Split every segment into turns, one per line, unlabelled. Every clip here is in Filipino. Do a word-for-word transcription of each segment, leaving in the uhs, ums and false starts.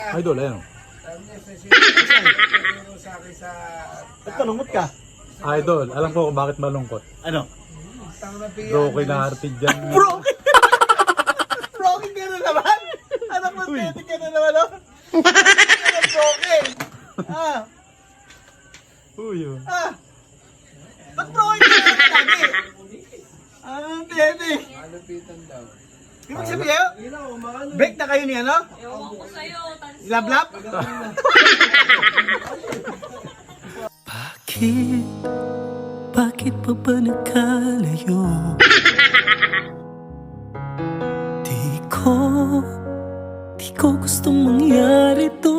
Idol, ayun.
Ba't malungkot ka?
Idol, alam ko kung bakit malungkot.
Ano?
Broken na hearted dyan.
Broken! Broken ka na naman? Anak mo, tete ka na naman, oh? Ano broken? Ah,
Uy, oh.
ah. Ba't broken ka na naman lagi? Ah, tete. Ibig sabihin, break na kayo ni ano?
Ewan ko sa'yo, tanso.
Lab-lab?
Bakit? Bakit pa ba nagkalayo? Di ko, di ko gustong mangyari to.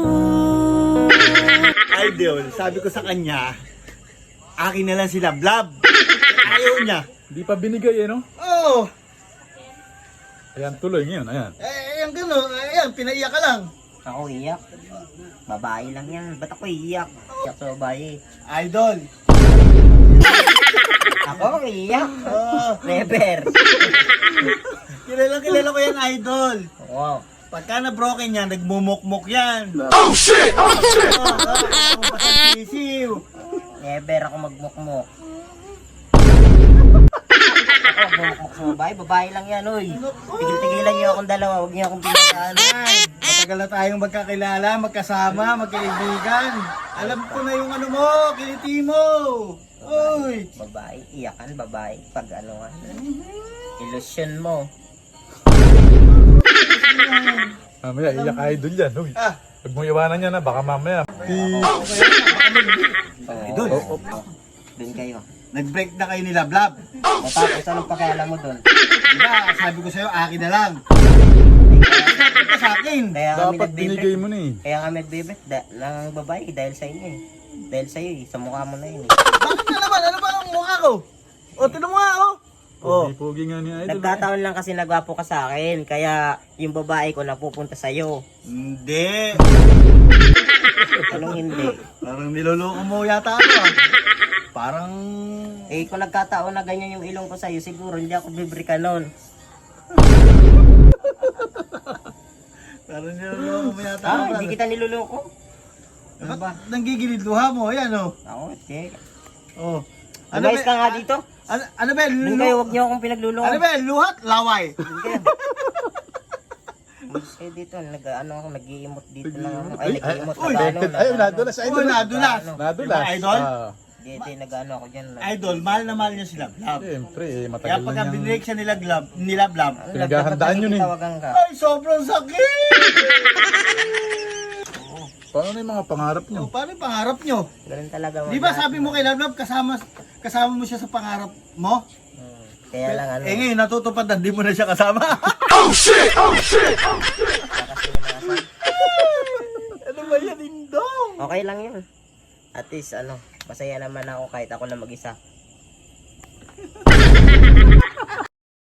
Idol, sabi ko sa kanya, akin na lang si Lab-lab. Ayaw niya.
Di pa binigay, eh, no?
Oo. Oh,
Ayan, tuloy ngayon, ayan.
eh, yung gano'n, ayan, pinaiyak ka lang.
Ako iyak. Babae lang yan. Ba't ako iyak? Iyak sa babae.
Idol.
Ako iyak.
Oo.
Never.
Kilala, kilala ko yan, idol.
Wow.
Pagka na broken yan, nagmumukmuk yan. Oh shit! Oh shit! Oo, oo, oo, sisiw.
Never ako magmukmuk. Ako magmukmuk sa babae. Babae lang yan, oy. Tigil-tigilan niyo akong dalawa. Huwag niyo akong pinagdaan.
Matagal na tayong magkakilala, magkasama, magkaibigan. Alam ko na yung ano mo, kiliti mo. Uy.
Babae. Iyakan, babae. Pag ano nga. Illusion mo.
Mamaya, iyak idol yan, uy.
Ah.
Huwag mong iwanan yan, ha? Baka mamaya.
Idol,
Oh, oh.
Doon kayo.
nag-break na kayo ni Lab-lab.
O tapos anong pakialam mo doon?
Diba, sabi ko sa'yo, akin na lang. Sabi ka sa akin.
Kaya kami
Dapat binigay
nagbibig.
mo na, eh.
Kaya kami nagbibig da- ng babae dahil sa inyo eh. Dahil sa'yo eh. Sa mukha mo na yun eh.
Bakit na naman? Ano ba ang mukha ko? O, tinan mo nga, oh. Oh.
Pugi-pugi nga ni idol.
Nagkataon lang kasi nagwapo ka sa akin. Kaya yung babae ko napupunta sa'yo.
Hindi.
Anong hindi?
Parang niloloko mo yata ako, ah. Parang...
Eh kung nagkataon na ganyan yung ilong ko sa'yo, siguro hindi ako bibrika nun.
Parang niloloko mo yata ako.
Ah, hindi kita niluloko. Ano ba?
Ba't nanggigilid luha mo? Ayan, oh.
Ako, sige.
Oh.
Lumayas ka nga dito.
Ano, ano ba?
Doon
Lu-
kayo, huwag niyo akong pinagluloko.
ano ba? Luhat? Laway.
Doon kayo. Umalis kayo dito, nag, ano ako, nag-i-emote dito lang ako. Ay, nag-i-emote
Uy,
na ano.
Ay, nadulas,
Uy,
idol.
nadulas.
Nadulas.
Diba, idol?
Ah,
Hindi, hindi, nag-ano ako dyan.
Idol, mahal na mahal niya si Lab-Lab.
Siyempre, eh,
Kaya
matagal
pagka
na niyang...
binrake siya ni Lab-Lab, ni Lab-Lab,
Ano,
Pinaghahandaan yun eh.
Tawagan ka.
ay, sobrang sakit!
Paano na yung mga pangarap niyo?
O, paano yung pangarap nyo?
Ganun talaga.
Di ba sabi mo kay Lab-Lab, kasama, kasama mo siya sa pangarap mo?
Hmm, Kaya lang ano.
Eh ngayon, natutupad na, di mo na siya kasama.
Kasi yung mga sa-
Ano ba yan, Indong?
Okay lang yun. At least ano, masaya naman ako kahit ako na mag-isa.